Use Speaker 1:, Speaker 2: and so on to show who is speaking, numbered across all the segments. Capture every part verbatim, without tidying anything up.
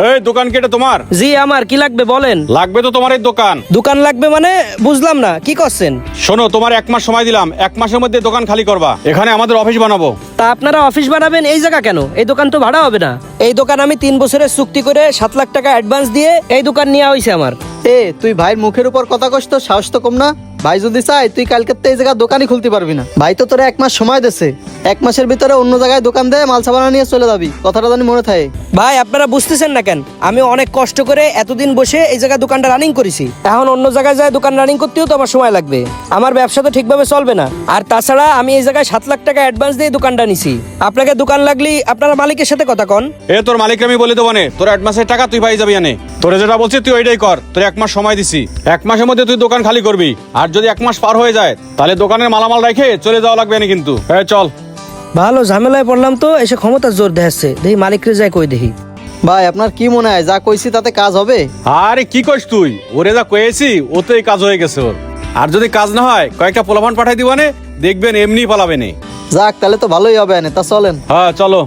Speaker 1: এই দোকান কি এটা তোমার?
Speaker 2: জি আমার, কি লাগবে বলেন।
Speaker 1: লাগবে তো তোমার এই দোকান।
Speaker 2: দোকান লাগবে মানে বুঝলাম না, কি করছেন?
Speaker 1: শোনো, তোমার এক মাস সময় দিলাম, এক মাসের মধ্যে দোকান খালি করবা। এখানে আমাদের অফিস বানাবো।
Speaker 2: তা আপনারা অফিস বানাবেন এই জায়গা কেন? এই দোকান তো ভাড়া হবে না। এই দোকান আমি তিন বছরের চুক্তি করে সাত লাখ টাকা অ্যাডভান্স দিয়ে এই দোকান নেওয়া হয়েছে আমার।
Speaker 3: এ তুই ভাইয়ের মুখের উপর কথা কস তো, সাহস তো কম না? ভাই যদি চাই তুই কালকে এই জায়গায় দোকানই খুলতে পারবি না। ভাই তো তোরা এক মাস সময় দেছে, এক মাসের ভিতরে অন্য জায়গায় দোকান দে, মাল সাবানা নিয়ে চলে যাবি। কথাটা জানি মনে থাকে।
Speaker 2: ভাই আপনারা বুঝতেছেন না কেন? আমি অনেক কষ্ট করে এতদিন বসে এই জায়গায় দোকানটা রানিং করেছি, এখন অন্য জায়গায় যায় দোকান রানিং করতেও তো আমার সময় লাগবে। আমার ব্যবসা তো ঠিকভাবে চলবে না। আর তাছাড়া আমি এই জায়গায় সাত লাখ টাকা অ্যাডভান্স দিয়ে দোকানটা নিছি। আপনাকে দোকান লাগলি আপনারা মালিকের সাথে কথা কন।
Speaker 1: এ তোর মালিককে আমি বলে দেবো নে, তোর অ্যাডভান্সের টাকা তুই পাই যাবি আনে। তোরে যেটা বলছি তুই ওইটাই কর। তোর এক মাস সময় দিছি, এক মাসের মধ্যে তুই দোকান খালি করবি। আর যদি এক মাস পার হয়ে যায় তাহলে দোকানের মালামাল রেখে চলে যাওয়া লাগবে না কিন্তু। হ্যাঁ চল।
Speaker 2: ভালো ঝামেলায় পড়লাম তো, এসে ক্ষমতার জোর দেখাচ্ছে। দেখি মালিকরে যায় কই দেখি।
Speaker 3: ভাই আপনার কি মনে হয় যা কইছি তাতে কাজ হবে?
Speaker 1: আরে কি কইস তুই? ওরে যা কয়েছি ওতেই কাজ হয়ে গেছে ওর। আর যদি কাজ না হয় কয়েকটা পোলাপান পাঠাই দিবানে, দেখবেন এমনি পালাবে নে।
Speaker 3: যাক তাহলে তো ভালোই হবে। তা চলেন।
Speaker 1: হ্যাঁ চলো।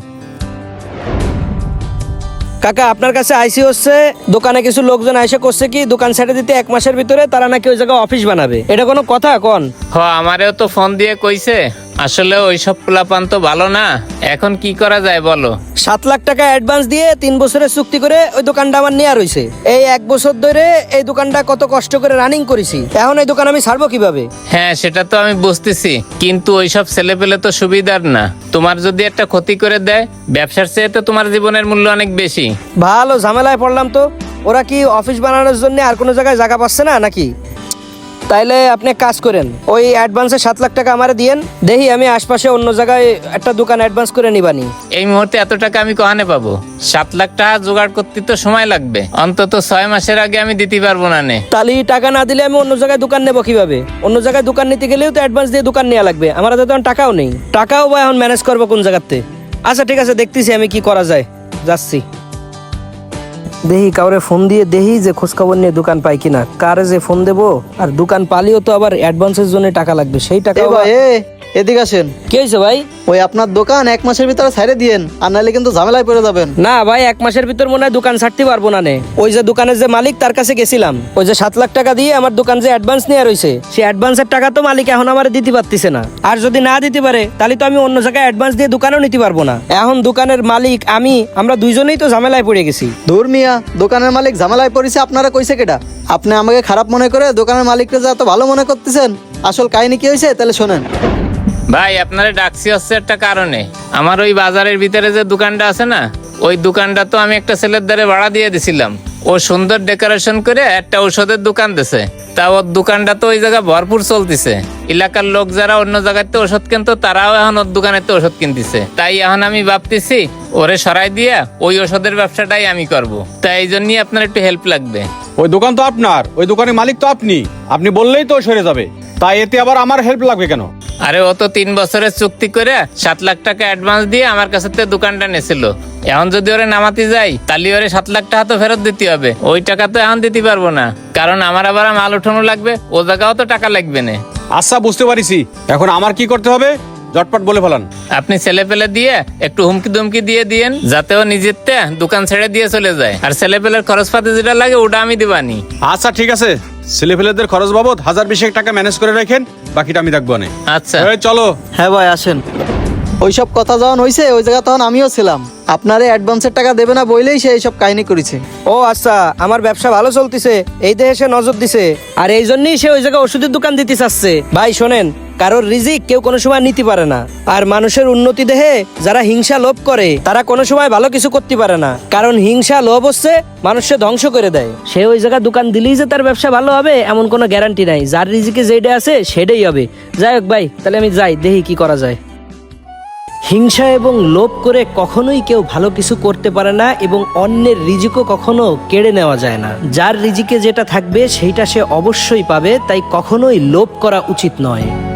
Speaker 2: কাকা আপনার কাছে আইসি হচ্ছে, দোকানে কিছু লোকজন আইসে করছে কি দোকান ছেড়ে দিতে এক মাসের ভিতরে তারা নাকি ওই জায়গায় অফিস বানাবে। এটা কোনো কথা কোন?
Speaker 4: হ আমারেও তো ফোন দিয়ে কইছে। আসলে ওইসব পোলাপান তো ভালো না। এখন কি করা যায় বলো?
Speaker 2: সাত লাখ টাকা অ্যাডভান্স দিয়ে তিন বছরের চুক্তি করে ওই দোকানটা আমার নেওয়া রয়েছে। এই এক বছর ধরে এই দোকানটা কত কষ্ট করে রানিং করেছি, এখন এই দোকান আমি ছাড়বো কিভাবে?
Speaker 4: হ্যাঁ সেটা তো আমি বুঝতেছি, কিন্তু ওইসব ছেলে পেলে তো সুবিধার না। তোমার যদি একটা ক্ষতি করে দেয়, ব্যবসার চেয়ে তো তোমার জীবনের মূল্য অনেক বেশি।
Speaker 2: ভালো ঝামেলায় পড়লাম তো। ওরা কি অফিস বানানোর জন্য আর কোনো জায়গায় জায়গা পাচ্ছে না নাকি? তাইলে আপনি এক কাজ করেন, ওই অ্যাডভান্সে সাত লাখ টাকা আমারে দিয়েন, দেখি আমি আশপাশে অন্য জায়গায় একটা দোকান অ্যাডভান্স করে নিবানি।
Speaker 4: এই মুহূর্তে এত টাকা আমি কহানে পাবো? সাত লাখ টাকা জোগাড় করতে তো সময় লাগবে, অন্তত ছয় মাসের আগে আমি দিতে পারবো না নে।
Speaker 2: তাহলে টাকা না দিলে আমি অন্য জায়গায় দোকান নেবো কিভাবে? অন্য জায়গায় দোকান নিতে গেলেও তো অ্যাডভান্স দিয়ে দোকান নেওয়া লাগবে। আমার হাতে তখন টাকাও নেই, টাকাও বা এখন ম্যানেজ করবো কোন জায়গাতে? আচ্ছা ঠিক আছে, দেখতেছি আমি কি করা যায়, যাচ্ছি। দেখি কাউরে ফোন দিয়ে দেখি যে খোঁজখবর নিয়ে দোকান পাই কিনা। কারে যে ফোন দেবো, আর দোকান পালিও তো আবার অ্যাডভান্সের জন্য টাকা লাগবে, সেই টাকা।
Speaker 3: এ ভাই এ এদিকে আসেন।
Speaker 2: কি হয়েছে ভাই?
Speaker 3: ওই আপনার দোকান এক মাসের ভিতরে ছাইড়ে দিয়েন, আর নাহলে কিন্তু ঝামেলায় পড়ে যাবেন।
Speaker 2: না ভাই, এক মাসের ভিতর মনে হয় দোকান ছাড়তে পারবো না নে। ওই যে দোকানের যে মালিক তার কাছে গেছিলাম, ওই যে সাত লাখ টাকা দিয়ে আমার দোকান যে অ্যাডভান্স নেওয়া রয়েছে, সেই অ্যাডভান্সের টাকা তো মালিক এখন আমার দিতে পারতেছে না। আর যদি না দিতে পারে তাহলে তো আমি অন্য জায়গায় অ্যাডভান্স দিয়ে দোকানও নিতে পারবো না। এখন দোকানের মালিক আমি, আমরা দুইজনেই তো ঝামেলায় পড়ে গেছি।
Speaker 3: ধুর মিয়া, দোকানের মালিক ঝামেলায় পড়েছে আপনারা কইছে কেটা? আপনি আমাকে খারাপ মনে করে দোকানের মালিককে যা এত ভালো মনে করতেছেন, আসল কাহিনী কি হয়েছে তাহলে শোনেন।
Speaker 4: ভাই আপনারে ডাকছি হচ্ছে একটা কারণে। আমার ওই বাজারের ভিতরে যে দোকানটা আছে না, ওই দোকানটা তো আমি একটা ছেলের দ্বারে ভাড়া দিয়ে দিছিলাম। ও সুন্দর ডেকোরেশন করে একটা ঔষধের দোকান দিছে। তা ওর দোকানটা তো ওই জায়গায় ভরপুর চলতেছে। এলাকার লোক যারা অন্য জায়গাতে ওষুধ কিনতো তারাও এখন ওর দোকানেতে ওষুধ কিনতেছে। তাই এখন আমি ভাবতেছি ওরে সরাই দিয়া ওই ওষুধের ব্যবসাটাই আমি করব। তাই এই জন্যই আপনার একটু হেল্প লাগবে।
Speaker 1: ওই দোকান তো আপনার, ওই দোকানের মালিক তো আপনি। আপনি বললেই তো সরে যাবে, তাই এতে আবার আমার হেল্প লাগবে কেন?
Speaker 4: আরে ও তো তিন বছরের চুক্তি করে সাত লাখ টাকা অ্যাডভান্স দিয়ে আমার কাছে দোকানটা নেছিল। এখন যদি ওরে নামাতে যাই তাহলে ওরে সাত লাখ টাকা তো ফেরত দিতে হবে। ওই টাকা তো এখন দিতে পারবো না, কারণ আমার আবার মাল উঠানো লাগবে, ও জায়গাও তো টাকা লাগবে না।
Speaker 1: আচ্ছা বুঝতে পারিছি, এখন আমার কি করতে হবে ঝটপট বলে ফেলান।
Speaker 4: আপনি ছেলে পেলে দিয়ে একটু হুমকি দুমকি দিয়ে দিয়েন, যাতে ও নিজের দোকান ছেড়ে দিয়ে চলে যায়। আর ছেলে পেলের খরচ পাতি যেটা লাগে ওটা আমি দিবানি।
Speaker 1: আচ্ছা ঠিক আছে, ছেলেপেলেদের খরচ বাবদ হাজার বিশেক টাকা ম্যানেজ করে রাখেন, বাকিটা আমি দেখবো না।
Speaker 4: আচ্ছা
Speaker 1: এই চলো।
Speaker 3: হ্যাঁ ভাই আসেন। ওইসব কথা যখন হয়েছে ওই জায়গা তখন আমিও ছিলাম। আপনারে অ্যাডভান্সের টাকা দেবে না বইলেই সে এইসব কাহিনী করেছে।
Speaker 2: ও আচ্ছা, আমার ব্যবসা ভালো চলতেছে এই দেহে সে নজর দিছে, আর এই জন্যই সে ওই জায়গায় ওষুধের দোকান দিতে চাচ্ছে। ভাই শোনেন, কারোর রিজিক কেউ কোনো সময় নিতে পারে না। আর মানুষের উন্নতি দেহে যারা হিংসা লোভ করে তারা কোনো সময় ভালো কিছু করতে পারে না, কারণ হিংসা লোভ হচ্ছে মানুষকে ধ্বংস করে দেয়। সে ওই জায়গায় দোকান দিলেই যে তার ব্যবসা ভালো হবে এমন কোনো গ্যারান্টি নাই। যার রিজিকে যেটা আছে সেটাই হবে। যাই হোক ভাই, তাহলে আমি যাই, দেখি কি করা যায়। হিংসা এবং লোভ করে কখনোই কেউ ভালো কিছু করতে পারে না, এবং অন্যের রিজিকও কখনো কেড়ে নেওয়া যায় না। যার রিজিকে যেটা থাকবে সেইটা সে অবশ্যই পাবে, তাই কখনোই লোভ করা উচিত নয়।